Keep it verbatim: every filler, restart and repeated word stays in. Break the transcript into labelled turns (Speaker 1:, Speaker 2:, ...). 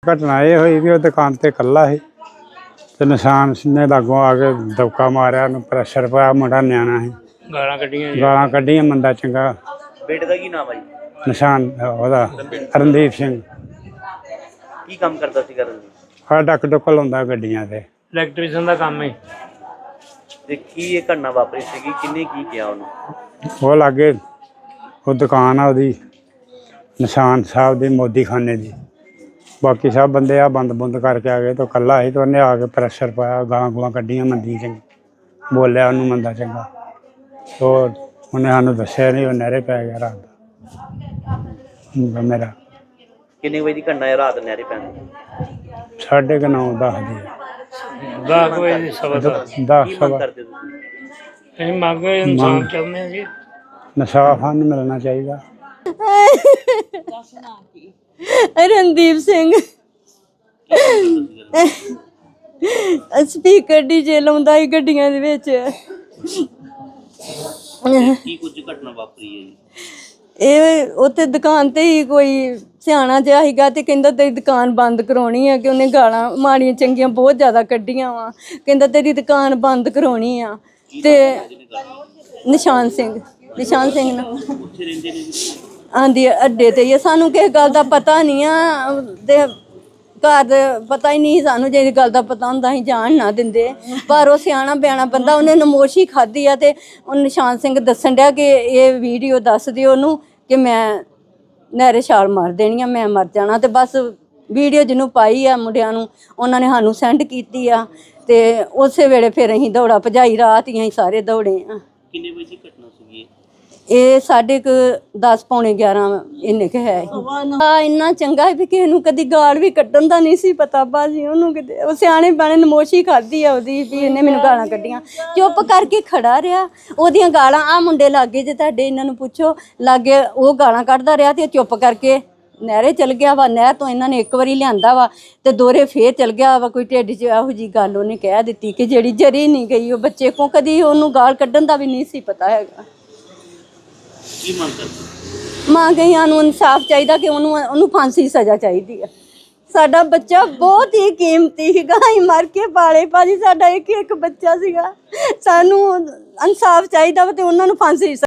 Speaker 1: घटना ये हुई भी दुकान ते कल्ला ही ते निशान ने लागों आके दबका मारिया, प्रैशर पाया, मुंडा न्याणा ही, गालां कड्डियां गालां कड्डियां मंदा चंगा।
Speaker 2: बेटे दा की नाम है?
Speaker 1: निशान ओहदा रणदीप सिंह।
Speaker 2: की काम करदा सी रणदीप?
Speaker 1: हा डक डुक लाउंदा गड्डियां ते, इलैक्ट्रीशियन दा काम है।
Speaker 2: ते की ये घटना वापरी सी? किन्ने की किया उन्होंने?
Speaker 1: वो लागे वो दुकान आ ओहदी निशान साहब दी मोदी खाने दी, बाकी सब बंदे आ बंद बुंद करके आ गए तो कल्ला ही तो उन्हें आके प्रैशर पाया, गालां गुलां कड्डियां मंदी चंगी, बोलिया उन्होंने मंदा चंगा तो उन्हें सानू दस्सिया नहीं, वो नहरे पै गया रात दा मेरा।
Speaker 2: किन्ने बजे दी घटना है रात नहरे पैन?
Speaker 1: साढ़े क नौ दस दी
Speaker 2: दस बजे सवा दस
Speaker 1: दस सवा इंसाफ सानू मिलना चाहिए।
Speaker 3: रणदीप सिंह स्पीकर डीजे लाउंदा ही गड्डियां दे विच।
Speaker 2: की कुछ घटना वापरी है जी?
Speaker 3: ਇਹ ਉੱਥੇ ਦੁਕਾਨ ਤੇ ਹੀ ਕੋਈ ਸਿਆਣਾ ਜਿਹਾ ਸੀਗਾ ਤੇ ਕਹਿੰਦਾ ਤੇਰੀ ਦੁਕਾਨ ਬੰਦ ਕਰਾਉਣੀ ਆ, ਕਿ ਉਹਨੇ ਗਾਲਾਂ ਮਾੜੀਆਂ ਚੰਗੀਆਂ ਬਹੁਤ ਜ਼ਿਆਦਾ ਕੱਢੀਆਂ ਵਾ, ਕਹਿੰਦਾ ਤੇਰੀ ਦੁਕਾਨ ਬੰਦ ਕਰਾਉਣੀ ਆ। ਤੇ ਨਿਸ਼ਾਨ ਸਿੰਘ ਨਿਸ਼ਾਨ ਸਿੰਘ ਨਾ ਆਂਦੀ ਅੱਡੇ ਤੇ ਹੀ, ਸਾਨੂੰ ਕਿਸੇ ਗੱਲ ਦਾ ਪਤਾ ਨਹੀਂ ਆ ਤੇ ਘਰ ਦੇ ਪਤਾ ਹੀ ਨਹੀਂ ਸਾਨੂੰ, ਜੇ ਗੱਲ ਦਾ ਪਤਾ ਹੁੰਦਾ ਅਸੀਂ ਜਾਣ ਨਾ ਦਿੰਦੇ, ਪਰ ਉਹ ਸਿਆਣਾ ਬਿਆਣਾ ਬੰਦਾ, ਉਹਨੇ ਨਮੋਸ਼ੀ ਖਾਧੀ ਆ ਤੇ ਉਹ ਨਿਸ਼ਾਨ ਸਿੰਘ ਦੱਸਣ ਡਿਆ ਕਿ ਇਹ ਵੀਡੀਓ ਦੱਸ ਦਿਓ ਉਹਨੂੰ ਕਿ ਮੈਂ ਨਹਿਰੇ ਛਾਲ ਮਾਰ ਦੇਣੀ ਆ, ਮੈਂ ਮਰ ਜਾਣਾ। ਤੇ ਬਸ ਵੀਡੀਓ ਜਿਹਨੂੰ ਪਾਈ ਆ ਮੁੰਡਿਆਂ ਨੂੰ, ਉਹਨਾਂ ਨੇ ਸਾਨੂੰ ਸੈਂਡ ਕੀਤੀ ਆ ਤੇ ਉਸੇ ਵੇਲੇ ਫਿਰ ਅਸੀਂ ਦੌੜਾ ਭਜਾਈ, ਰਾਤ ਹੀ ਅਸੀਂ ਸਾਰੇ ਦੌੜੇ ਆ।
Speaker 2: ਕਿੰਨੇ ਵਜੇ ਦੀ ਘਟਨਾ ਸੀਗੀ
Speaker 3: ਇਹ ਸਾਢੇ ਕੁ ਦਸ ਪੌਣੇ ਗਿਆਰਾਂ ਇੰਨੇ ਕੁ ਹੈ। ਆ ਇੰਨਾ ਚੰਗਾ ਵੀ ਕਿਸੇ ਨੂੰ ਕਦੀ ਗਾਲ ਵੀ ਕੱਢਣ ਦਾ ਨਹੀਂ ਸੀ ਪਤਾ ਬਾਜੀ, ਉਹਨੂੰ ਕਿਤੇ ਉਹ ਸਿਆਣੇ ਬਿਆਣੇ ਨਮੋਸ਼ੀ ਖਾਧੀ ਆ ਉਹਦੀ ਵੀ ਇਹਨੇ ਮੈਨੂੰ ਗਾਲਾਂ ਕੱਢੀਆਂ, ਚੁੱਪ ਕਰਕੇ ਖੜਾ ਰਿਹਾ। ਉਹਦੀਆਂ ਗਾਲਾਂ ਆ ਮੁੰਡੇ ਲਾਗੇ ਜੇ ਤੁਹਾਡੇ ਇਹਨਾਂ ਨੂੰ ਪੁੱਛੋ ਲਾਗੇ, ਉਹ ਗਾਲਾਂ ਕੱਢਦਾ ਰਿਹਾ ਤੇ ਚੁੱਪ ਕਰਕੇ ਨਹਿਰੇ ਚਲ ਗਿਆ ਵਾ। ਨਹਿਰ ਤੋਂ ਇਹਨਾਂ ਨੇ ਇੱਕ ਵਾਰੀ ਲਿਆਂਦਾ ਵਾ ਤੇ ਦੋਰੇ ਫੇਰ ਚਲ ਗਿਆ ਵਾ। ਕੋਈ ਢਿੱਡ 'ਚ ਇਹੋ ਜਿਹੀ ਗੱਲ ਉਹਨੇ ਕਹਿ ਦਿੱਤੀ ਕਿ ਜਿਹੜੀ ਜਰੀ ਨਹੀਂ ਗਈ ਉਹ ਬੱਚੇ ਕੋਲ, ਕਦੀ ਉਹਨੂੰ ਗਾਲ ਕੱਢਣ ਦਾ ਵੀ ਨਹੀਂ ਸੀ ਪਤਾ ਹੈਗਾ।
Speaker 2: ਕੀ ਮੰਗ ਕਰਦੇ?
Speaker 3: ਮਾਂ ਗਈਆਂ ਨੂੰ ਇਨਸਾਫ ਚਾਹੀਦਾ ਕਿ ਉਹਨੂੰ ਉਹਨੂੰ ਫਾਂਸੀ ਦੀ ਸਜ਼ਾ ਚਾਹੀਦੀ ਆ। ਸਾਡਾ ਬੱਚਾ ਬਹੁਤ ਹੀ ਕੀਮਤੀ ਸੀਗਾ, ਅਸੀਂ ਮਰ ਕੇ ਪਾਲੇ ਭਾਜੀ, ਸਾਡਾ ਇੱਕ ਇੱਕ ਬੱਚਾ ਸੀਗਾ, ਸਾਨੂੰ ਇਨਸਾਫ ਚਾਹੀਦਾ ਵਾ ਤੇ ਉਹਨਾਂ ਨੂੰ ਫਾਂਸੀ